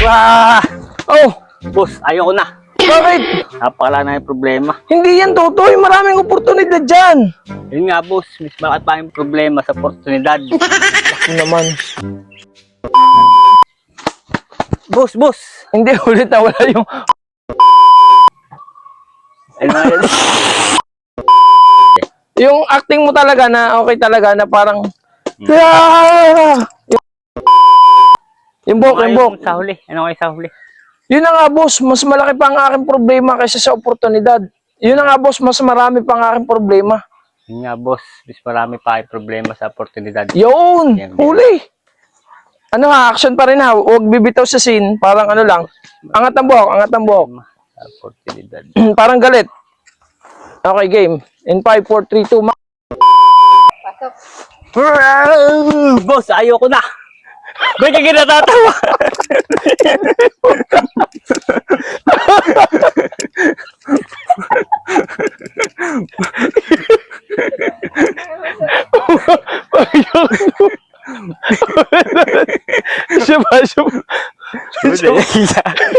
Ah! Oh, Boss, ayoko na. bakit? Napakala na yung problema. Hindi yan, Totoy. Maraming oportunidad dyan. Yun nga, boss. Mas malaki pa yung problema sa oportunidad. Ako naman. Boss. Hindi, ulit na wala yung... Ayun nga yan. Yung acting mo talaga na okay talaga na parang... Ah! Yung buhok, yung buhok. Sa huli. Ano kayo sa huli? Yun na nga, boss. Mas malaki pa ang aking problema kaysa sa oportunidad. Yun na nga, boss. Mas marami pa ang aking problema. Yun nga, boss. Mas marami pa yung problema sa oportunidad. Yun! Yan. Huli! Ano ha? Action pa rin ha. Huwag bibitaw sa scene. Parang ano lang. Angat ang buhok, angat ang buhok. Sa oportunidad. Parang galit. Okay, game. In 5, 4, 3, 2, Pasok. Boss, ayoko na. Ba't ka ginatatawa? Siya ba?